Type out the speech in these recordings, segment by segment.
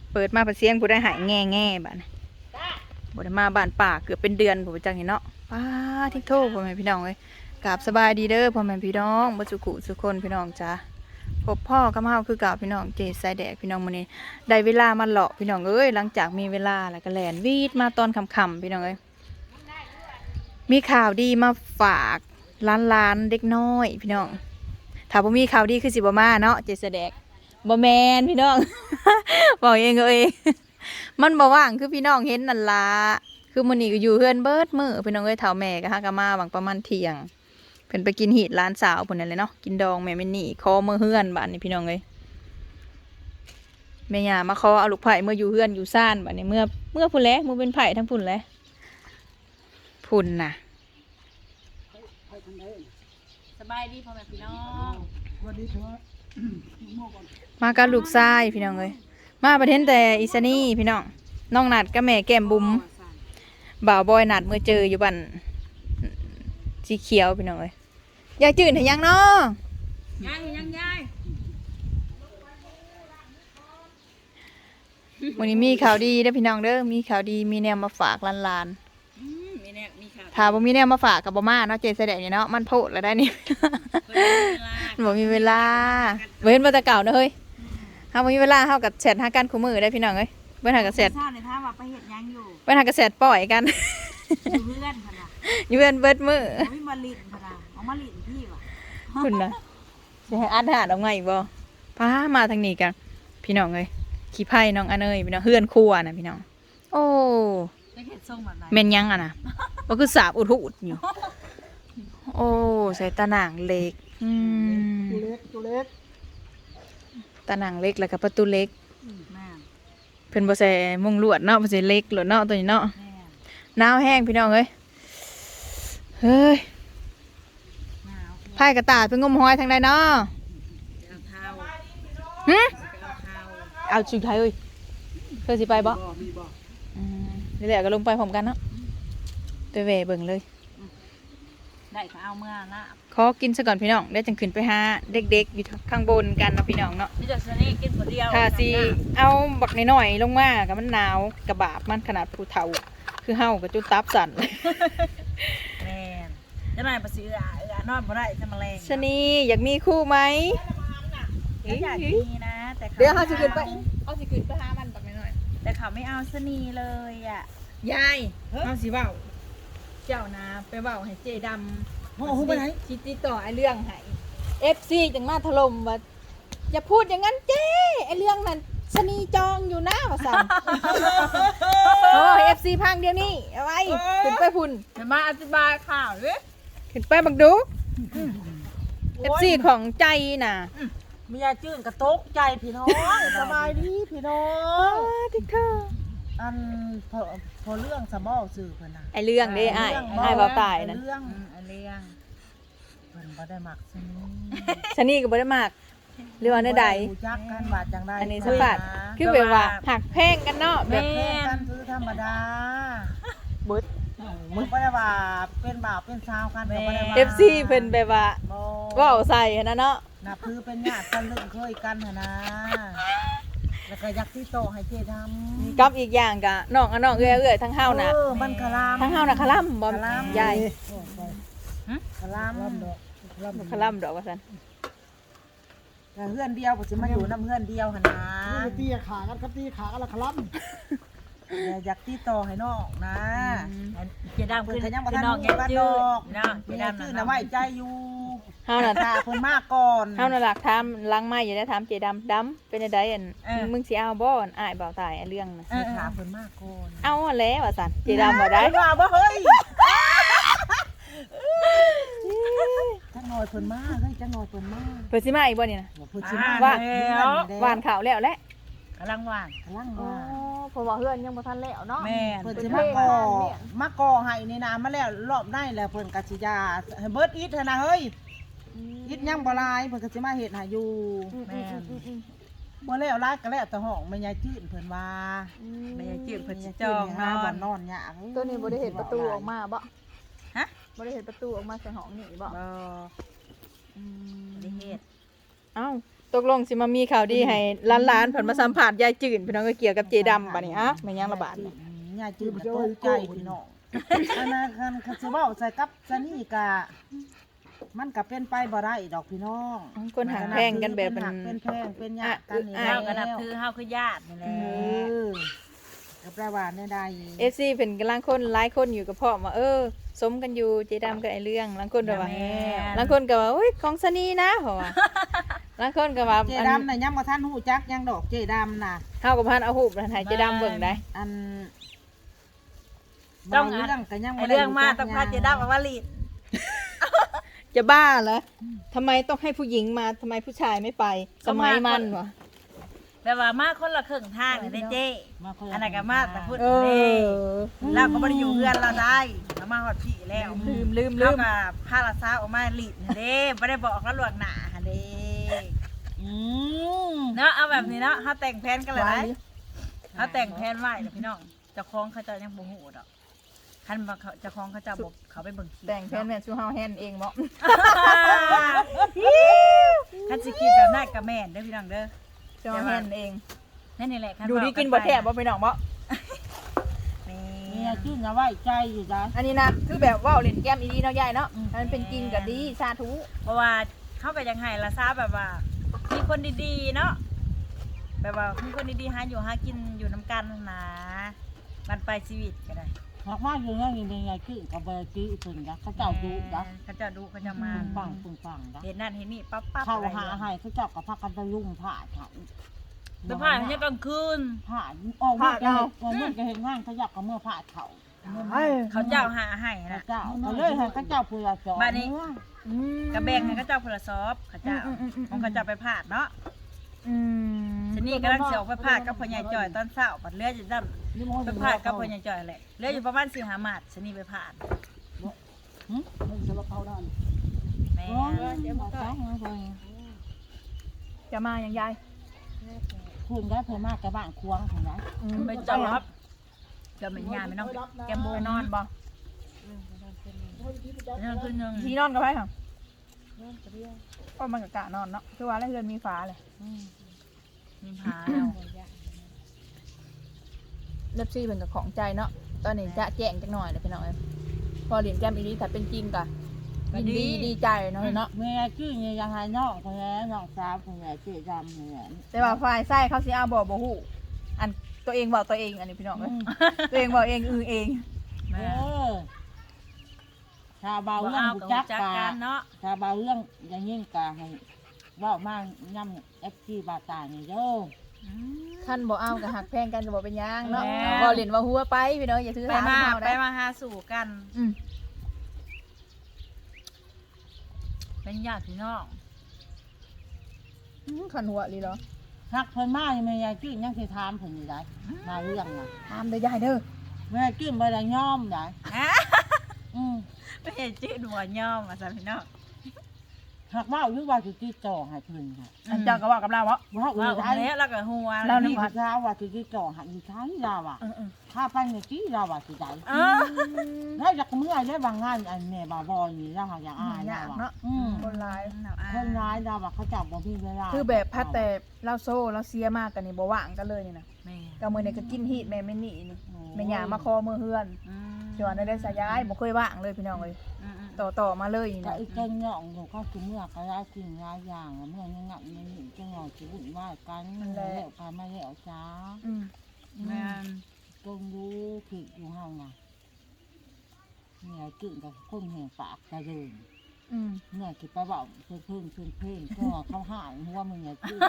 เปิดมาประเสียงผู้ได้หายแง่บ้านบ่ได้มาบ้านป่าเกือบเป็นเดือนผมจังเห็นเนาะป้าทิ้งโทษพ่อแม่พี่น้องเลยกราบสบายดีเด้อพ่อแม่พี่น้องบ่สุขุสุคนพี่น้องจ้าพบพ่อกับเฮาคือเก่าพี่น้องเจสายแดกพี่น้องมื้อนี้ได้เวลามาเลาะพี่น้องเอ้ยหลังจากมีเวลาแล้วก็แล่นวีดมาตอนค่ำๆพี่น้องเอ้ยมีข่าวดีมาฝากล้านเด็กน้อยพี่น้องถ้าบ่มีข่าวดีคือสิบ่มาเนาะเจสายแดกบ่แม่นพี่น้อง บอกเองเองมันบ่ว่างคือพี่น้องเห็นนั่นล่ะคือมื้อนี้ก็อยู่เฮือนเบิดมื้อพี่น้องเอ้ยเฒ่าแม่ก็หาก็มาหวังประมาณเที่ยงเพิ่นไปกินหีดร้านสาวพุ่นนั่นแหละเนาะกินดองแม่แม่นี่ขอมื้อเฮือนบัดนี้พี่น้องเอ้ยแม่ย่ามาขอเอาลูกไผ่เมื่ออยู่เฮือนอยู่ซ่านบัดนี้เมื่อพุ่นแลมื้อเป็นไผ่ทั้งพุ่นแลพุ่นน่ะสบายดีพ่อแม่พี่น้องวันนี้เถอะมากับลูกชายพี่น้องเอ้ยมาประเทศแต่อิสนี่พี่น้องน้องนัดกับแม่แก้มบุ๋มบ่าวบอยนัดเมื่อเจออยู่บ้านสีเขียวพี่น้องเอ้ยยายจืดเห็นยังเนาะยายวันนี้มีข่าวดีเด้อพี่น้องเด้อมีข่าวดีมีแนวมาฝากหลานๆถ้าบ่มีแนวมาฝากกับบ่มาเนาะเจแสดงเนาะมันโพดแล้วได้นี่ บ่มีเวลาเว้นมาแต่เก่าเนาะเฮ้ยเฮาบ่มีเวลาเฮากับแชทหากันคู่มือได้พี่น้องเอ้ยเบิ่นหากับแชทในท่าว่าไปเฮ็ดยังอยู่เบิ่นหากับแชทปล่อยกันอยู่เพื่อนพะนะอยู่เพื่อนเบิดมื้อมีมาลินพะนะเอามาลินพี่ว่ะคุณนะสิให้อัดหาดเอาไงบ่พามาทางนี้กันพี่น้องเอ้ยขี้ไผ่น้องอันเอ้ยพี่น้องเฮือนครัวน่ะพี่น้องโอ้จะเฮ็ดทรงแบบไหนแม่นยังอ่ะนะบ่คือสาบอุดหูดอยู่โอ้ใส่ตาหนังเล็กตัวเล็กตาหนังเล็กแล้วก็ประตูเล็กแม่เพิ่นบ่ใส่มุงลวดเนาะบ่ใส่เล็กลวดเนาะตัวนี้เนาะหนาวแห้งพี่น้องเอ้ยเฮ้ยไผ่กระต่ายไปงมหอยทางใดเนาะหึเอาจุดไทยเอ้ยเคยสิไปบ่นี่แหละก็ลงไปพร้อมกันเนาะไปแหวเบิ่งเลยได้ก็เอาเมื่อละขอกินซะก่อนพี่น้องได้จังขึ้นไปหาเด็กๆอยู่ข้างบนกันนะพี่น้องเนาะนี่จะสนี่กินคนเดียวค่ะสิเอาบักน้อยๆลงมากับมันหนาวกระบาบมันขนาดผู้เฒ่าคือเฮากับจุดตับสั่นแม่นจะนายประสินอนบ่ได้จะมาแรงชนีอยากมีคู่ไหมอยากมีนะแต่เดี๋ยวเฮาสิขึ้นไปหามันบักน้อยๆแต่เขาไม่เอาสนีเลยอ่ะยายเฮาสิเว้าเจ้านะไปเว้าให้เจดำโอ้โหไปไหนคิดติดต่อไอ้เรื่องให้ FC จังมาถล่มว่าอย่าพูดอย่างนั้นเจ้ไอ้เรื่องนั้นชนีจองอยู่นะว่าซั่นโอ้ FC พังเดี๋ยวนี้เอาไว้ขึ้นไปพุ่นจะมาอธิบายข่าวดิขึ้นไปบักดู FC ของใจน่ะมียาจื้นกระตกใจพี่น้องสบายดีพี่น้องติ๊กเกอร์อันพอเรื่องสมอสื่อเพิ่นน่ะไอเรื่องเด้อ้ายเว้าตายนั่นเรื่องเพิ่นบ่ได้มักชนีก็บ่ได้มักหรือว่าใดๆรู้จักกันว่าจังได๋อันนี้สัมภาษณ์คือแบบว่าหักแพงกันเนาะแบบแพงกันคือธรรมดาบึดมึงบ่ได้ว่าเป็นบ่าวเป็นสาวกันก็บ่ได้ว่า FC เพิ่นแบบว่าเว้าใส่หั่นน่ะเนาะน่ะคือเป็นญาติกันเรื่องเคยกันหั่นนะแล้วก็อยากที่โตให้เจทำกับอีกอย่างก็น้องเอื้อยทั้งเฮาน่ะมันคลามทั้งเฮาน่ะคลำบ่ใหญ่คลามดอกว่าซั่นเฮือนเดียวบ่สิมาอยู่นำเฮือนเดียวหั่นนะตีขากันครับตีขากันละครับอยากที่โตให้น้องนะเจดำคือยังบ่ทันน้องแก่ดอกเนาะเจดำน่ะไว้ใจอยู่เฮาน่ะตาเพิ่นมาก่อนเฮาน่ะหลักถามหลังไม้อยู่ได้ถามเจดำเป็นจังได๋อันมึงสิเอาบ่อ้ายบ่าวตายเรื่องน่ะถามเพิ่นมาก่อนเอาแล้วว่าซั่นเจดำบ่ได้ว่าบ่เฮ้ยจังหน่อยเพิ่นมาเฮ้ยจังหน่อยเพิ่นมาเพิ่นสิมาอีกบ่นี่นะเพิ่นสิมาแล้วหวานข้าวแล้วแหละกำลังหวานอ๋อเพราะว่าเฮือนยังบ่ทันแล้วเนาะแม่เพิ่นสิมาก่อให้นี่นะมาแล้วรอบได้แล้วเพิ่นก็สิยาให้เบิดอิฐหั่นน่ะเฮ้ยอิฐยังบ่ลายเพิ่นก็สิมาเฮ็ดให้อยู่แม่บ่แล้วลายก็แล้วแต่ห้องแม่ยายจื้นเพิ่นว่าแม่ยายจื้นเพิ่นสิจองหาบ่นอนยากตัวนี้บ่ได้เฮ็ดประตูออกมาบ่ฮะบ่ได้เฮ็ดประตูออกมาใส่ห้องนี่บ่ได้เฮ็ดเอ้าตกลงสิมามีข่าวดีให้ล้านๆเพิ่นมาสัมภาษณ์ยายจื่นพี่น้องก็เกี่ยวกับเจดำบัดนี้อ่ะแม่นยังระบาดนี่ยายจืดตกใจพี่น้องอันนั้นคันสิเว้าใส่กับซะนี่กะมันก็เป็นไปบ่ได้ดอกพี่น้องคนหางแพงกันแบบมันเป็นแพงเป็นญาติกันนี่เฮาก็นับถือเฮาคือญาตินี่แหเอละอก็แปลว่าแน่ใด FC เพิ่นกำลังคนหลายคนอยู่กับพ่อมาสมกันอยู่เจดำกับไอ้เรื่องลางคนก็ว่าลางคนก็ว่าโอ้ยของสนีนะเพราะว่าลางคนก็ว่าเจดำน่ะยังบ่ทันฮู้จักยังดอกเจดำน่ะเฮากับพันเอาหูปให้เจดำเบิ่งได้อันต้องบางเรื่องก็ยังไอ้บ่ได้เรื่องมาต้องพาเจดำเอาว่าลีดจะบ้าเหรอทำไมต้องให้ผู้หญิงมาทำไมผู้ชายไม่ไป สมัยมันวะแต่ว่ามาคนละครึ่งทางนี่ได้เจ้มาคนละอันนั้นก็มาแต่พูดเอเด้อเราก็บ่ได้อยู่เฮือนเราได้เรามาฮอดพี่แล้วลืมเราก็พาละซาออกมาลีดนี่เด้บ่ได้บอกแล้วล่วงหน้าหั่นเด้อืมเนาะเอาแบบนี้เนาะเฮาแต่งแผนกันเลยนะเฮาแต่งแผนไว้เด้อพี่น้องเจ้าของเขาเจ้ายังบ่ฮู้ดอกคันว่าเขาเจ้าของเขาเจ้าบ่เขาไปเบิ่งคลิปแต่งแฟนแม่นชูเฮาแฮนเองบ่คันสิคิดแบบนั้นก็แม่นเด้อพี่น้องเด้อชูเฮาแฮนเองนั่นนี่แหละคัดูดีกินบ่แทบบ่ไปน้องบ่นี่เนี่ยชื่อนะไว้ใจอยู่จ้ะอันนี้นะคือแบบว่าเล่นแก้มอีดีเนาะยายเนาะมันเป็นจริงก็ดีสาธุเพราะว่าเขาก็ยังให้ละซาแบบว่า มีคนดีๆเนาะแบบว่ามีคนดีๆหาอยู่หากินอยู่น้ำกันนะมันไปชีวิตก็ได้หากว่าอยู่เนี่ยนี่เป็นไงคือกับเบอร์กี้ถึงจ้ะเขาเจ้าดูจ้ะเขาจะดูเขาจะมาปึ้งปังจ้ะเห็นนั่นเห็นนี่ปั๊บปั๊บเข้าอะไรหาให้เขาเจ้ากับพากันไปยุ่งผ่าเขาไปผ่านเนี่ยกลางคืนผ่าออกเมื่อจะเห็นงานเขาอยากกับเมื่อผ่าเขาเขาเจ้าหาให้นะเจ้าเขาเลยให้เขาเจ้าพูดจอบ้านนี้ กระแบงให้เขาเจ้าพลซอฟเขาเจ้าของเขาเจ้าไปผ่านเนาะทีนี้กำลังเสียวไปผ่านกับพ่อใหญ่จ่อยตอนเช้าปัดเลือดจะดำไปผ่านกับพ่อใหญ่จ่อยแหละเลือดอยู่ประมาณ4-5 หมาดทีนี้ไปผ่านมันจะมาเข้าด้านแม่จะมาอย่างยายคุณได้เพิ่มมากกับบ้านควงของนั้นไปจอบจะเหม็นยาไม่ต้องแกมโบไปนนออน นบ่นั่นคือหนึ่งที่นอนกับไผค่ะก็มันก็กะนอนเนาะคือว่าแล้วเรือนมีฝาเลยมีผาแล้วเล็บซี่เป็นกับของใจเนาะตอนนี้จะแจ้งจักหน่อยเลยพี่น้องเอ้ยพอเรียนแก้มอีดีถ้าเป็นจริงก็ยินดีดีใจเนาะเนาะเมียชื่อเนี่ยยังให้น้องคนนี้น้องสาวคนนี้ชื่อดำเนี่ยแต่ว่าฝ่ายไส้เขาสิเอาบ่ฮู้อันตัวเองบอกตัวเองอันนี้พี่น้องเอ้ยตัวเองบอกเองเองเออชาบาบ่เรื่องเอาบุกับจักจักกากันเนาะชาบาเรื่องอย่างยิ่งกาให้ว่ามากย่ำเอฟซีบาตาเนี่ยเด้อขั้นบ่เอากับหักแพงกันก็บ่เป็นหยังเนาะบ่เล่นว่าหัวไปพี่น้องอย่าถือไปหามาเฮาไปได้มาหาสู่กันอืมเป็นญาติพี่น้องขันหัวลีเหรอฮักเพิ่นมาเมียชื่อยังสิถามเพิ่นอยู่ได้มาเรื่องน่ะตามเด้อยายเด้อเมียชื่อบ่ได้ย่อมได้ฮะอืมไม่เห็นชื่อหัวย่อมมาซะพี่น้องหักว่าหรือว่าสิติดต่อให้เพิ่นค่ะอันเจ้าก็ว่ากับเราวะว่าอื่ว่านได้แล้วแล้วก็หัวเรานี่นี่พระเจ้าว่าสิติดต่อให้อีกครั้งเราอ่ะเออถ้าไปในที่เราอ่ะสิได้เออแล้วจากเมื่อได้บางงานอันแม่บาบอนี่เราหาอย่างอายยากเราเนาะอืมคนร้ายคนร้ายเราอ่ะเขาจับบ่มีเวลาคือแบบพัดแต่เราโซ่เราเสียมากกันนี่บ่ว่างกันเลยนี่นะแม่ก็มื้อนี้ก็กินฮีดแม่ไม่หนีนี่แม่หยามาคอมือเฮือนอืมจวนได้สายายบ่เคยว่างเลยพี่น้องเอ้ยอืมต่อมาเลยนี่แต่นะอีกเจ้าเนาะอยู่ก็คือเมื่อก็ได้กินหลายอย่างเมื่อยังงัดยังนี่จังหวะสิวุ่นวายกันแล้วกันมาแล้วจ้าอืมแม่นจงรู้ผิดอยู่เฮาน่ะเนี่ยกินกับคนแห่งปากกระเดินอืมเนี่ยคิดไปบอกเพิ่งก็เขาหายหัวมึงเนี่ยกิน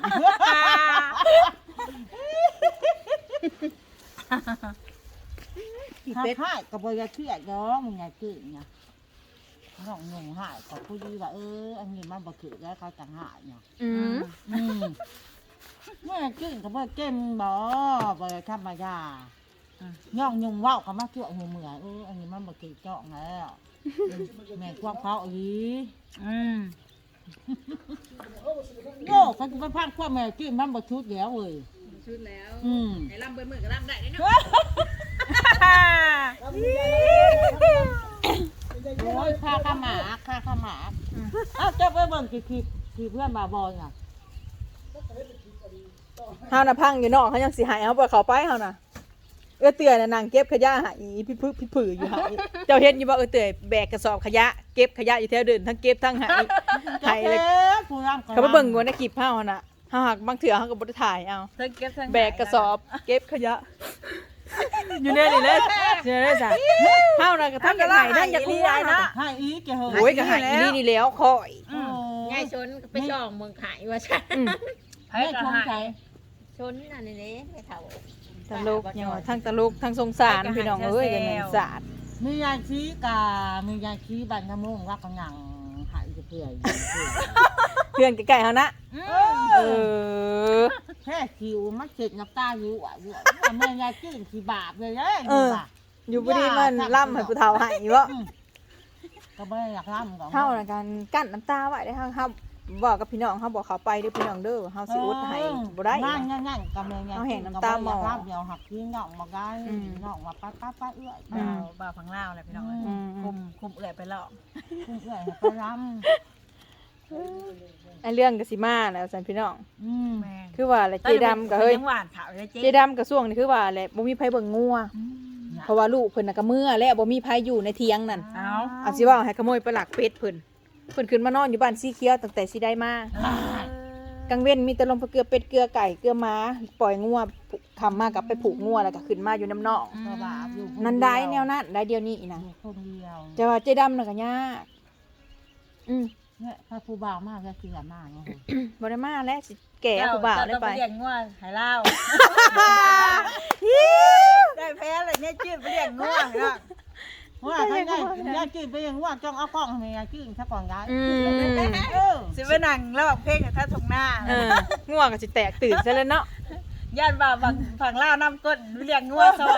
ขี้ถ้าเป็ดหายกับบอยาเครียดเนาะมึงเนี่ยกินเนี่ยน้องงงหายกับผู้ดีว่าอันนี้มันบ่คือแล้วเขาจะหายเนี่ยอืมเมื่อกินกับบ่เก็มบ่บ่ธรรมดาย่องยุ่งว่าวเขามาเกี่ยวหัวเมื่ออันนี้มันบ่คือเจาะแล้วแม่ควงเขาอีอืมโง่เขาจะไปพังความแม่กินมันบ่ชุดแล้วเว้ยชุดแล้วไอ้ลำเบิ่มือก็ลำได้เนาะโอ้ยค่าข้าหมาอ้าวเจ้าไปเบิ่งกี่เพื่อนบาบอยอ่ะเฮาน่ะพังอยู่นอกเขายังสิหายเฮาบ่เข้าไปเฮาน่ะเตื่อยน่ะนั่งเก็บขยะหายพี่ผืออยู่หายเจ้าเห็นอยู่บ่เตื่อยแบกกระสอบขยะเก็บขยะอยู่แถวเดินทั้งเก็บทั้งหายหายเลยผู้ร่ำเขาไปเบิ่งอยู่ในคลิปเฮาน่ะเฮาหักบางเถื่อเฮาก็บ่ได้ถ่ายเอาทั้งเก็บทั้งแบกกระสอบเก็บขยะ อยู่ในนี่เลยอยู่ในนี่จ้ะเฮาน่ะก็ทั้งอยากหายทั้งอยากรู้ได้เนาะให้อีกแกเหอะโอ้ยก็หายอีนี่แล้วคอยยายชนไปช่องเมืองขายว่าฉันอืมไผก็หายชนอันนี้ไม่เท่าตลกเนี่ยว่าทั้งตลกทั้งสงสารพี่น้องเอ้ยกันสาดมียายชี้กามียายชี้บันทะมุงรักกันหยังหายจะเปื่อยเพื่อนใกล้ๆเฮานะเออแค่คิวมันเสร็จน้ำตาอยู่อ่ะอยู่แม่ยายจื้นขี้บาปเลยเด้อยู่บ่ดีมันล่ำให้ผู้เฒ่าให้บ่ก็ไม่อยากร่ำกับเฮาน่ะกันกั้นน้ำตาไว้ได้เฮาบอกกับพี่น้องเฮาบอกเขาไปเด้อพี่น้องเด้อเฮาสิอดให้บ่ได้นั่งกับแม่ยายเอาแห่งน้ำตาหมอร่ำเดียวหักขี้น่องมาได้น่องมาป้าเอื้อยบ่าวฝั่งลาวแหละพี่น้องเอ้ยคุมเอื้อยไปแล้วเอื้อยไปร่ไอ้เรื่องก็สิมาแล้วซั่นพี่น้องำแม่นคือว่าแหละเจดํก็เฮ้ยยังหวานขาวเลยเจ๊เจดํก็ช่วงนี้คือว่าแหละบ่มีไผเบิ่งงัวเพราะว่าลูกเพิ่นน่ะก็เมื่อและบ่มีไผอยู่ในเถียงนั่นเอาอาสิว่าให้ขโมยไปลักเป็ดเพิ่นขึ้นมานอนอยู่บ้านสีเขียวตั้งแต่สิได้มากลางเว้นมีแต่ลมเกลือเป็ดเกลือไก่เกลือม้าปล่อยงัวคำมากับไปผูกงัวแล้วก็ขึ้นมาอยู่น้ำนองก็บาปอยู่นั่นได้แนวนั้นได้เดียวนี้อีนะอยู่คนเดียวแต่ว่าเจดํน่ะก็ยากเนี่ยพระผู้บ่าวมากก็เสียมากเนาะบ่ได้มาแล้วสิแก่ผู้บ่าวได้ไปเจ้ต้องเลี้ยงงัวหายเล่าได้แพ้เลยเนี่ยจืดไปเลี้ยงงัวเนาะว่าใครได้ยายจื้นไปยังว่าจ้องเอากล้องให้ยายจื้นซะก่อนยายสิไปนั่งแล้วเพลงกับท่าทงหน้างัวก็สิแตกตื่นซะแล้วเนาะย่านบ่าวฝั่งลาวน้ำก้นเลี้ยงงัวซอย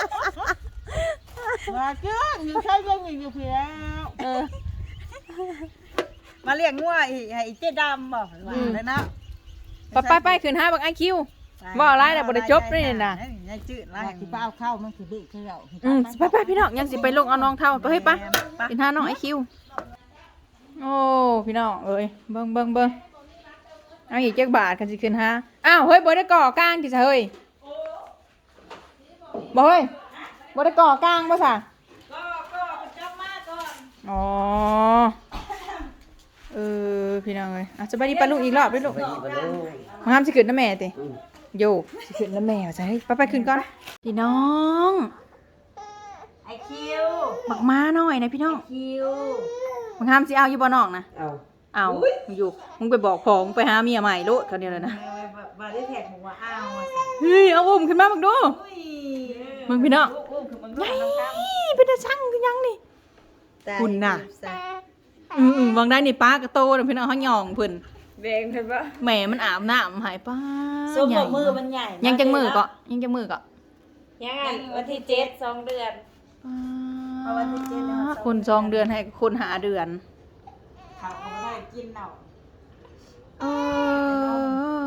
ว่าจื้นอยู่ใช้ยังอยู่เพียงมาเลี้ยงงัวอีให้เจ๊ดำบอกว่าเลยนะไปขึ้นหาบักไอคิว บ่อะไรน่ะบ่ได้จบเลยน่ะยายจืดว่าไล่สิไปเอาเข้ามันสิบึกคือเราไปพี่น้องยังสิไปลงเอาน้องเท่าไปเฮ้ยปะกินหาน้องไอคิวโอ้พี่น้องเอ้ยเบิ่งเอาอีกจักบาทกันสิขึ้นหาอ้าวเฮ้ยบ่ได้ก่อกลางติซะเฮ้ยบ่เฮ้ยบ่ได้ก่อกลางบ่ซะก็จับมาก่อนอ๋อพี่น้องเอ้ยอ่ะสบายดีปะลูกอีกรอบด้วยลูกมาห้ามสิขึ้นน้ำแม่ติโยสิขึ้นน้ำแม่ว่าซะเฮ้ยไปขึ้นก่อนพี่น้องไอคิวบักม้าหน่อยนะพี่น้องคิวมึงห้ามสิเอาอยู่บ่น้องนะเอาเอาอยู่มึงไปบอกพอมึงไปหาเมียใหม่โลดเขาเดียวเลยนะมาได้แท็กบอกว่าอ้าวเฮ้ยเอาอุ้มขึ้นมามึงดูมึงพี่น้องคือมันไงเป็นตาช่างคือยังนี่คุณน่ะบางได้นี่ป้ากระโตนะพี่น้องเขาหย่องเพิ่นแดงเห็นปะแหม่มันอาบน้ำหายป้าส้มกับมือมันใหญ่ยังจังมือก็ยังจังมือก็ยังไงวันที่7 2 เดือนคน2 เดือนให้คนหาเดือนเขาไม่ได้กินเนาะเออ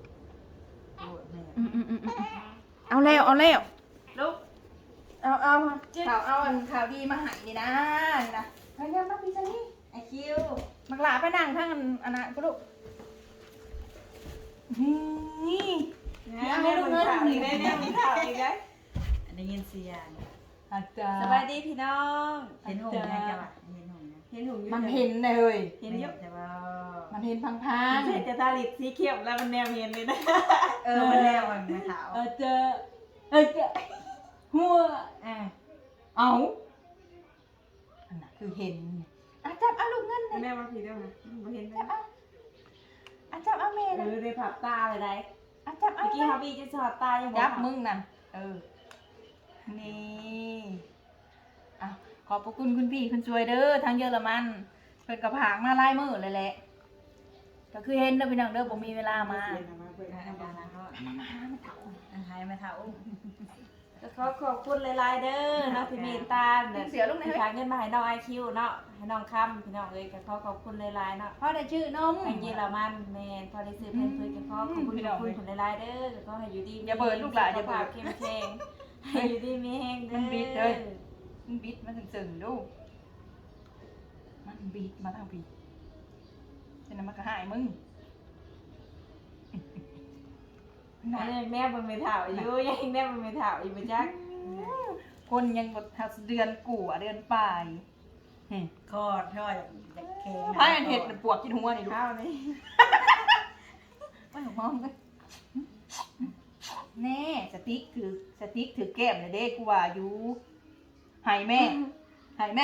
เอาแล้วลูกเอาข่าวดีมาให้นี่นะนี่นะไปเร็วมาพี่ซันนี่ไอคิวมักหลาไปนั่งข้างอันนั้นก็ลูกนี่เอาให้ลูกเงินอีกได้เนี่ยมีข่าวอีกได้ได้ยินเสียงอาจารสบายดีพี่น้องเห็นหงส์นะจ๊ะเห็นหงส์นะเห็นหนูอยู่มันเห็นเลยเห็นอยู่แต่ว่ามันเห็นพังเห็นจะตาลิดสีเขียวแล้วมันแนวเห็นเลยนะมันแล้วมันไม่ขาวเจอหัวเอาอันนั้นคือเห็นจับเอาลูกเงินเลยแม่มาผีด้วยนะมาเห็นไหมจับเอาเมย์นะได้ผับตาเลยได้จับเอาเมื่อกี้เขาบีจะสอดตายังจับมึงนั่นนี่ขอบพระคุณคุณพี่คุณช่วยเด้อทางเยอรมันเพิ่นกับผางมาไล่มือเลยแหละก็คือเห็นเด้อพี่น้องเด้อผมมีเวลามาหายมาเท่าก็ขอบคุณหลายๆเด้อเนาะที่มีตาที่ทางเงินมาให้น้องไอคิวเนาะให้น้องคำพี่น้องเอ้ยก็ขอบคุณหลายๆเนาะพ่อได้ชื่อนมทางเยอรมันแม่พอได้ซื้อเพิ่นเพิ่นก็ขอบคุณคนหลายๆเด้อก็ให้อยู่ดีเข้มแข็งให้อยู่ดีมีแห้งเด้อมันบิดเลยมันบิดมาสึงๆดูมันบิดมาทางพี่ฉะนั้นมันก็หายมึงยังแนบมันไม่เท่าอยู่ยังแนบมันไม่เท่าอยู่บ่จักคนยังบ่ทักเดือนกู่เดือนปลายคอดช่อยอยากแข็งพายอันเห็ดปวกกินหัวนี่ดูเท่านี้ไม่มองเลยแน่สติ๊กถือแก้มเลยเด้กูว่าอยู่หายแม่หายแม่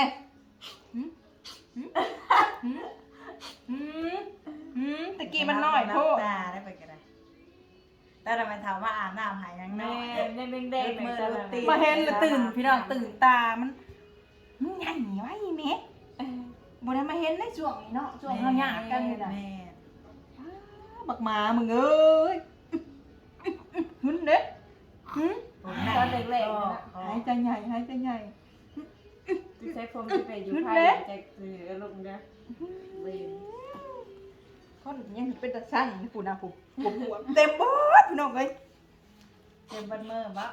ตะกี้มันน้อยโทษตาได้ไปก็ได้แต่ทำไมถามว่าอาบน้ำหายยังน้แม่อยแม่เด้งๆมือจังตีมาเห็นแล้วตื่นพี่น้องตื่นตามันใหญ่ไว้แม่บ่ได้มาเห็นในช่วงนี้เนาะช่วงเฮาหยาดกันนี่น่ะแม่บักหมามึงเอ้ยหึนเด้หึตอนเล็กๆนะหายใจใหญ่หายใจใหญ่ที่ใช้ผมที่ไปอยู่ไทยจะถือลงนะเว้ยคนยังเป็นตาสั่งนี่ผู้นะผู้ปวดเต็มเบิดพี่น้องเอ้ยเต็มบันมือบ่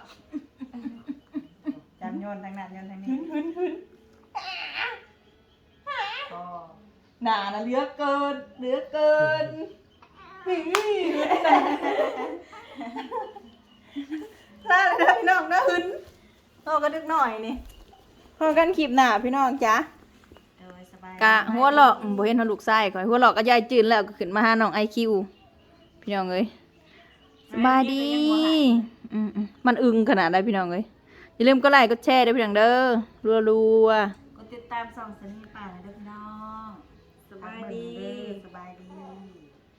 จำโยนทางนั้นโยนทางหึนี้นหึนหึนก็หนานะเหลือเกินเหลือเกินหึน่ะลาเลยนะพี่น้องนะหึนโตกันดึกหน่อยนี่พอกันคลิปหน้าพี่น้องจ้ะโดยสบายกะหัวหลอกบ่เห็นหัวลูกไส้ก่อนหัวหลอกก็ยายจืนแล้วก็ขึ้นมาหาน้องไอคิวพี่น้องเอ้ยสบายดีมันอึงขนาดไหนพี่น้องเอ้ยอย่าลืมกดไลค์กดแชร์ด้วยพี่น้องเด้อรัวๆกดติดตามส่องสัญญาณป่าเลยเด้อ